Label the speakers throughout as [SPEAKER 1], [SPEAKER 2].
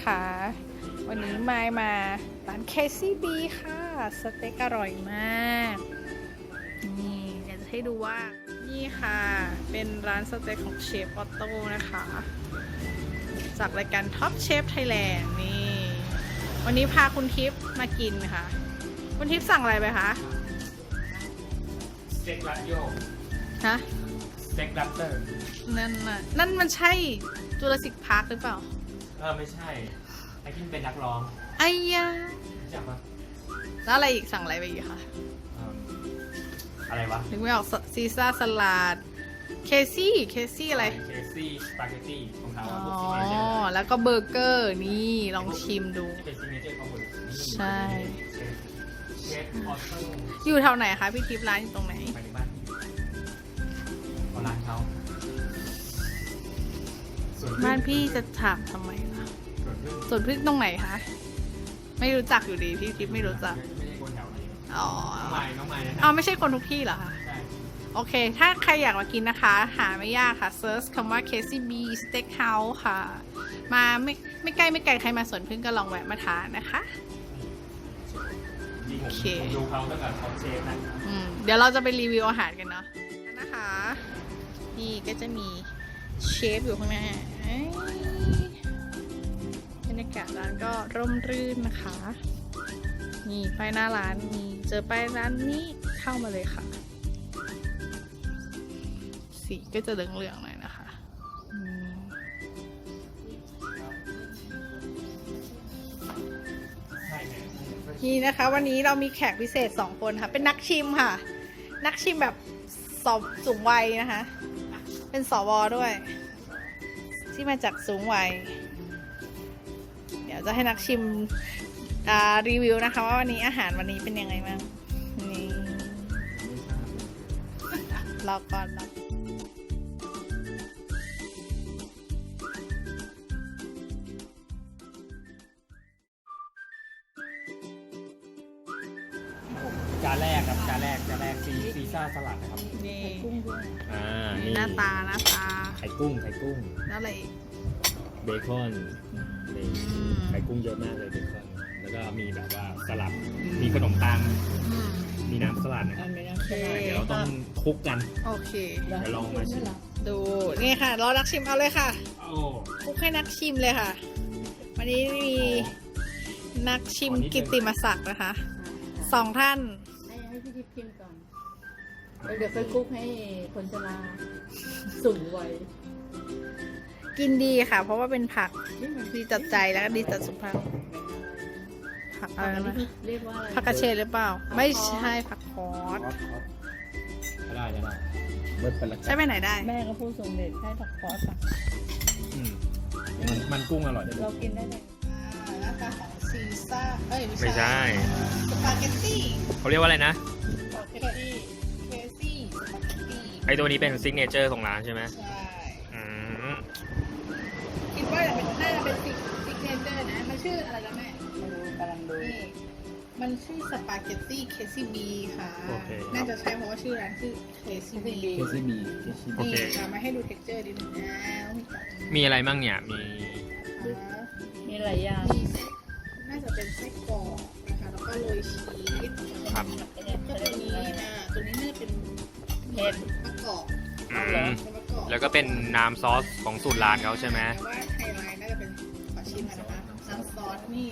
[SPEAKER 1] นะคะ วันนี้มาร้าน KCB ค่ะสเต็กอร่อยมากนี่เดี๋ยวจะให้ดูว่านี่ค่ะเป็นร้านสเต็กของเชฟออโต้นะคะจากรายการ Top Chef Thailand นี่วันนี้พาคุณทิพย์มากินค่ะคุณทิพย์สั่งอะไรไปคะ
[SPEAKER 2] สเต็กรัดโยก
[SPEAKER 1] ฮะ
[SPEAKER 2] สเต็กรัปเตอร์
[SPEAKER 1] นั่นมันใช่จูราสสิกพาร์คหรือเปล่า
[SPEAKER 2] ไม่ใช่ไอ้ที่เป็นนักร้อง
[SPEAKER 1] ไอ้ยา
[SPEAKER 2] รู้จักปะ
[SPEAKER 1] แล้วอะไรอีกสั่งอะไรไปอีกคะ
[SPEAKER 2] อะไรวะ
[SPEAKER 1] นึกไม่ออกซีซ่าสลัดเคซี่อะไร
[SPEAKER 2] เคซี่สปาเกตตี้ของเขาพวก
[SPEAKER 1] อ๋อ
[SPEAKER 2] ซิกเนเจอร์
[SPEAKER 1] แล้วก็เบอร์เกอร์นี่ลองชิมดู
[SPEAKER 2] เป็นซิกเนเจอร์ของคน
[SPEAKER 1] ใช่
[SPEAKER 2] เชฟออโต้
[SPEAKER 1] อยู่แถวไหนคะพี่ทิพย์ร้านอยู่ตรงไหน
[SPEAKER 2] ไปในบ้านเอาร้านเขา
[SPEAKER 1] บ้านพี่จะถามทำไมล่ะสวนพึ่งตรงไหนคะไม่รู้จักอยู่ดีพี่ทิพย์ไม่รู้จัก
[SPEAKER 2] ไม่ใช่คนแถวไหน
[SPEAKER 1] อ๋อ
[SPEAKER 2] น้องไม้
[SPEAKER 1] อ๋อไม่ใช่คนทุกที่เหรอคะ
[SPEAKER 2] ใช่
[SPEAKER 1] โอเคถ้าใครอยากมากินนะคะหาไม่ยากค่ะเซิร์ชคำว่า KCB Steakhouse ค่ะมาไม่ใกล้ใครมาสวนพึ่งก็ลองแวะมาทานนะคะ
[SPEAKER 2] โอเคดูเขาตั้งแต่ท็อปเชฟนะ
[SPEAKER 1] เดี๋ยวเราจะไปรีวิวอาหารกันเนาะนะคะนี่ก็จะมีเชฟอยู่ข้างหน้าบรรยากาศร้านก็ร่มรื่นนะคะนี่ป้ายหน้าร้านมีเจอป้ายร้านนี้เข้ามาเลยค่ะสีก็จะเหลืองๆหน่อยนะคะนี่นะคะวันนี้เรามีแขกพิเศษ2คนค่ะเป็นนักชิมค่ะนักชิมแบบสูงวัยนะคะเป็นสว.ด้วยที่มาจากสูงวัยเดี๋ยวจะให้นักชิมรีวิวนะคะว่าวันนี้อาหารวันนี้เป็นยังไงบ้างนี่รอก่อน
[SPEAKER 2] จานแรกซีซ่าสลัดนะครับ
[SPEAKER 1] นี่กุ้งด้วย
[SPEAKER 2] นี่
[SPEAKER 1] หน้าตา
[SPEAKER 2] ไข่กุ้ง
[SPEAKER 1] แล้วอะไรอีก
[SPEAKER 2] เบคอนไข่กุ้งเยอะมากเลยเบคอนแล้วก็มีแบบว่าสลัดมีขนมปังมีน้ำสลัดนะครับเดี๋ยวเราต้องคลุกกัน
[SPEAKER 1] โอเค
[SPEAKER 2] เดี๋ยวลองมาชิม
[SPEAKER 1] ดูนี่ค่ะรอนักชิมเอาเลยค่ะคลุกให้นักชิมเลยค่ะวันนี้มีนักชิมกิตติมศักดิ์นะคะ2 ท่าน
[SPEAKER 3] ให้พี่ทิพย์ชิมก่อนเดี๋ยวไปคลุกให้คนชราสูงวัย
[SPEAKER 1] กินดีค่ะเพราะว่าเป็นผักดีจัดใจแล้วก็ดีจัดสุขภาพผักอะไรนะ
[SPEAKER 3] เรียกว่าอะไร
[SPEAKER 1] ผักกระเฉดหรือเปล่าไม่ใช่ผักคอส
[SPEAKER 2] ได้เบิร์ดเป็นละ
[SPEAKER 1] ใช่ไปไหนได้
[SPEAKER 3] แม่ก็พูดสมเด็จให้ผักคอส
[SPEAKER 2] มันกุ้งอร่อย
[SPEAKER 3] เรากินได้เลย
[SPEAKER 1] หน้าตาของซีซ่า
[SPEAKER 2] ไม่ใช่
[SPEAKER 1] สปาเกตตี้
[SPEAKER 2] เขาเรียกว่าอะไรนะ
[SPEAKER 1] สปาเกตตี้เคซี่สปาเกตตี้
[SPEAKER 2] ไอตัวนี้เป็นซิกเนเจอร์ของร้านใช่ไหม
[SPEAKER 1] ใช่คิดว่าน่าจะเป็นซิกเนเจอร์นะมันชื่ออะไรกันแม่
[SPEAKER 3] กำลังดู
[SPEAKER 1] มันชื่อสปาเกตตี้ KCB ค่ะน่าจะใช้เพราะว่าชื่อร้านชื่อ KCB
[SPEAKER 2] โอเค
[SPEAKER 1] มาให้ดูเท็กเจอร์ดินะ
[SPEAKER 2] มีอะไรบ้างเนี่ย
[SPEAKER 3] มีหลายอย่าง
[SPEAKER 1] น่าจะเป็นไส้กรอกนะคะแล้วก็โรยชีส
[SPEAKER 2] ครับ
[SPEAKER 1] ก็ตัวนี้ตัวนี้น่าจะเป็น
[SPEAKER 3] เห็ด
[SPEAKER 1] มะกอก
[SPEAKER 2] แล้วก็เป็นน้ำซอสของสูตรร้านเขาใช่ไหม
[SPEAKER 1] แต่ว่าไฮไลท์น่าจะเป็นขอชิมกันนะคะน้ำซอสนี่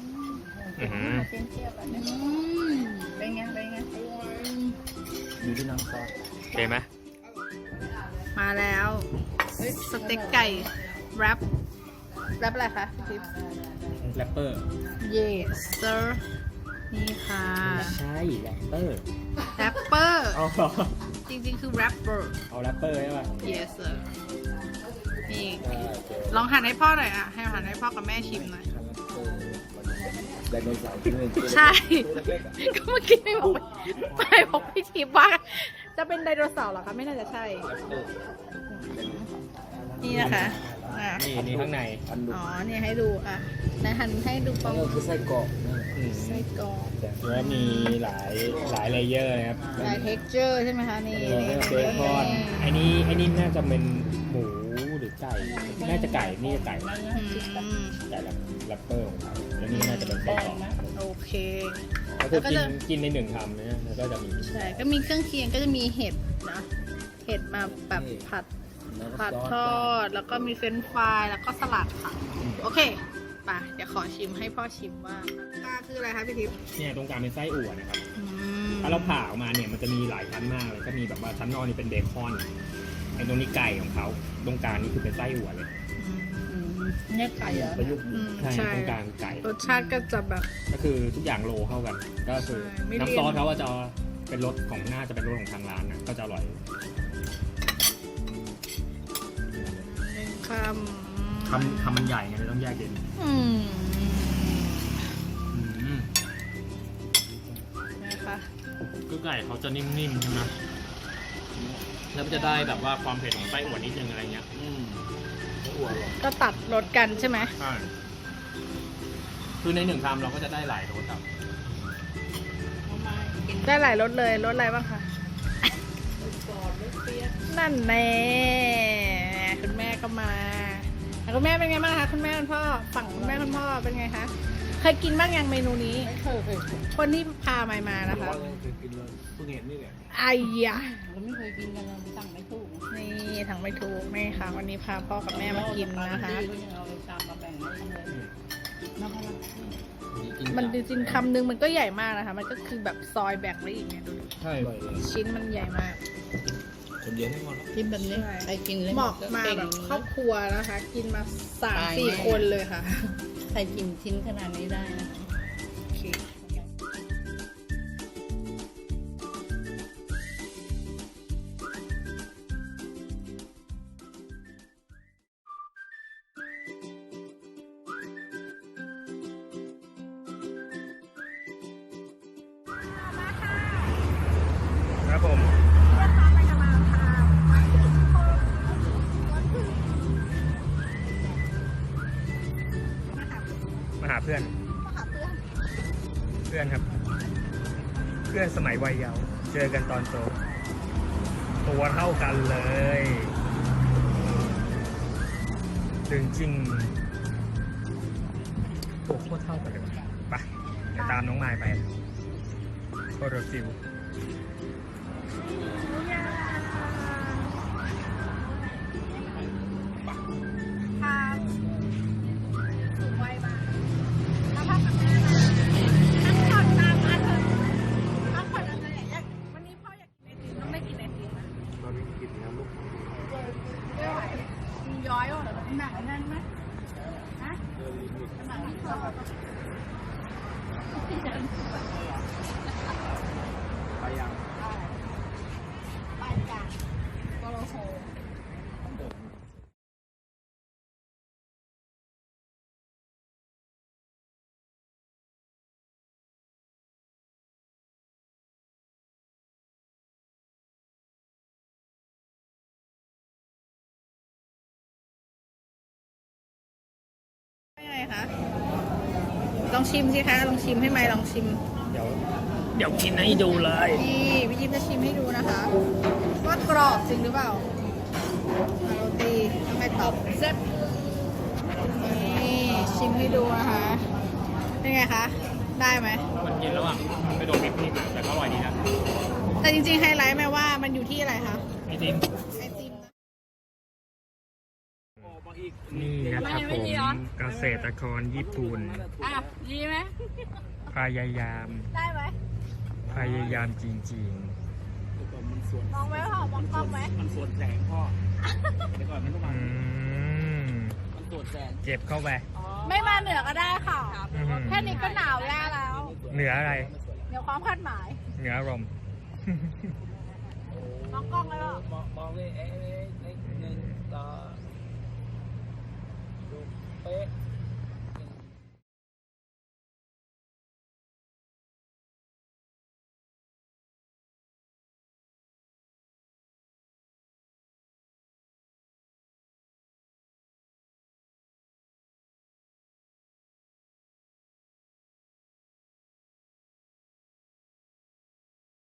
[SPEAKER 3] เป็นไง
[SPEAKER 2] ดูที่น้ำซอสโอเคไหม
[SPEAKER 1] มาแล้วสเต็กไก่แรปอะไรคะทิป
[SPEAKER 2] แรปเปอร์
[SPEAKER 1] yes sir นี่ค่ะ
[SPEAKER 2] ใช่แรปเปอร์
[SPEAKER 1] จริงๆคือ rapper
[SPEAKER 2] เอาแรปเปอร์ใช่ป่ะ
[SPEAKER 1] yes sir นี่ลองหั่นให้พ่อหน่อยให้หั่นให้พ่อกับแม่ชิมหน่อยใช่ก็เมื่อกี้ไม่บอกพี่ทิพย์ว่าจะเป็นไดโนเสาร์เหรอคะไม่น่าจะใช่นี่นะคะ
[SPEAKER 2] นี่ข้างใน
[SPEAKER 1] อ๋อเนี่ยให้ดูในหั่นให้ดูฟัง
[SPEAKER 2] คือไส้กรอกแล้วมีหลายเลเยอร์นะครับ
[SPEAKER 1] หลายเท็กเจอร์ใช่ไหมคะนี่
[SPEAKER 2] เบคอนไอ้นี่น่าจะเป็นหมูหรือไก่น่าจะไก่นี่จะไก่
[SPEAKER 1] อืม
[SPEAKER 2] ไก่แรปเปอร์ของเขาแล้วนี่น่าจะเป็นไส้กรอก
[SPEAKER 1] โอเค
[SPEAKER 2] ก็คือ
[SPEAKER 1] แล้วก็จะ
[SPEAKER 2] กินในหนึ่งคำนะแล้วก็จะมี
[SPEAKER 1] ใช่ก็มีเครื่องเคียงก็จะมีเห็ดนะเห็ดมาแบบผัดทอดแล้วก็มีเฟรนช์ฟรายแล้วก็สลัดค่ะโอเคไปเดี๋ยวขอชิมให้พ่อชิมว่าตาคืออะไรคะพี่ทิพย์
[SPEAKER 2] เนี่ยตรงกลางเป็นไส้อั่วนะครับ
[SPEAKER 1] อืม
[SPEAKER 2] ถ้าเราผ่าออกมาเนี่ยมันจะมีหลายชั้นมากเลยก็มีแบบว่าชั้นนอกนี่เป็นเบคอนไอ้ตรงนี้ไก่ของเขาตรงกลางนี่คือเป็นไส้อั่วเลย
[SPEAKER 3] เนี่ยไก่เหรอ
[SPEAKER 2] ประยุกต์ใช่ตรงกลางไก่
[SPEAKER 1] รสชาติก็จะแบบ
[SPEAKER 2] ก็คือทุกอย่างโลเข้ากัน ก็คือ
[SPEAKER 1] ใช่ไม่เลี่ยน
[SPEAKER 2] น้ำซอสเขาว่าจะเป็นรสของน่าจะเป็นรสของทางร้านนะก็จะอร่อย
[SPEAKER 1] หนึ่งค
[SPEAKER 2] คำมันใหญ่ไงเลยต้องแยกเย็น
[SPEAKER 1] ำนะคะ
[SPEAKER 2] คือไก่เขาจะนิ่มๆใช่ไหมแล้วมันจะได้แบบว่าความเผ็ดของไส้อั่วนิดนึงอะไรเงี้ยไส้อั่วหรอ
[SPEAKER 1] ก็ตัดรสกันใช่ไหม
[SPEAKER 2] ใช่คือในหนึ่งคำเราก็จะได้หลายรสครับ
[SPEAKER 1] ได้หลายรสเลยรสอะไรบ้างคะนั่นแน่คุณแม่ก็มาแล้วคุณแม่เป็นไงบ้างคะคุณแม่คุณพ่อฝั่งคุณแม่คุณพ่อเป็นไงคะเคยกินบ้างยังเมนูนี้
[SPEAKER 3] ไม่เคย
[SPEAKER 1] คนที่พามานะคะ
[SPEAKER 2] กินเลยเพิ่งเห็นนี่แหละ
[SPEAKER 1] ไอ้ยะ
[SPEAKER 3] เราไม่เคยกินกันเราสั่งไม่ถูก
[SPEAKER 1] นี่ทางไม่ถูกนี่ค่ะ วันนี้พาพ่อกับแม่มากินนะคะ
[SPEAKER 3] ก็ยังเอาไปตามมาแบ่งให้เลยน้ำพลัง
[SPEAKER 1] มันจริงๆคำนึงมันก็ใหญ่มากนะคะ มันก็คือแบบซอยแบ่งไว้อีกเนี่ยดูดิ
[SPEAKER 2] ใช่เลย
[SPEAKER 1] ชิ้นมันใหญ่มาก
[SPEAKER 2] คนเดียวให้หมดแล้ว
[SPEAKER 3] กินแบบนี้ใครกินเลย
[SPEAKER 1] เหมาะมาแบบครอบครัวนะคะ กินมา3-4 คนเลยค่ะ
[SPEAKER 3] ใครกินชิ้นขนาดนี้ได้นะ
[SPEAKER 1] โอเค
[SPEAKER 2] ครับผมมาหาเพื่อน เพื่อนครับ เพื่อนสมัยวัยเยาว์เจอกันตอนโตตัวเท่ากันเลยจริงโอ้โคตรเท่ากันเลยว่ะไปเดี๋ยวตามน้องไมล์ไปโคโรฟิว
[SPEAKER 1] พาสูงวัยมาถ้าพ่อกับแม่มาพักผ่อนตามมาเถอะพักผ่อนอะไรอย่างวันนี้พ่ออยากกินไอติมต้องได้กินไอติมนะ
[SPEAKER 2] เราไม่กินนะลูก
[SPEAKER 1] ไม่ไหวกินย้อยว่ะหนักแน่นไหมฮะหนักที่คอ
[SPEAKER 2] ไปยัง
[SPEAKER 1] ไปกันโกโลโฮยังไงคะลองชิมสิคะลองชิมให้ไหมลองชิม
[SPEAKER 2] เดี๋ยวกินให้ดูเลย
[SPEAKER 1] นี่พี่ยิ้มจะชิมให้ดูนะคะ ว่ากรอบจริงหรือเปล่าโรตีทำไมตอบเซ็ตนี่ชิมให้ดูนะคะเป็นไงคะ ได้ไหม
[SPEAKER 2] มันกินแล้วอ่ะมันไปโดนพริกแต่ก็อร่อยดีนะ
[SPEAKER 1] แต่จริงๆไฮไลท์แม่ว่ามันอยู่ที่อะไรคะ
[SPEAKER 2] ไอติม
[SPEAKER 1] ไอติมนะ
[SPEAKER 2] นี่นะครับผมเกษตรกรญี่ปุ่น
[SPEAKER 1] อ่ะดีไหม
[SPEAKER 2] พยายาม
[SPEAKER 1] ได้ไหม
[SPEAKER 2] พยายามจริง
[SPEAKER 1] มองไหมพ่อมองกล้องไหม
[SPEAKER 4] มันสวนแสงพ่อเดี๋ยวก่อนมันต้อง
[SPEAKER 2] ๆ
[SPEAKER 4] มา
[SPEAKER 2] ม
[SPEAKER 4] มันสวนแสง
[SPEAKER 2] เจ็บเข้าไป
[SPEAKER 1] ไม่มาเหนือก็ได้ค่ะ
[SPEAKER 2] อื้อหือ
[SPEAKER 1] แค่นี้ก็หนาวแย่แล้ว
[SPEAKER 2] เหนืออะไร
[SPEAKER 1] เดี๋ยวความคาดหมาย
[SPEAKER 2] เหนืออารมณ์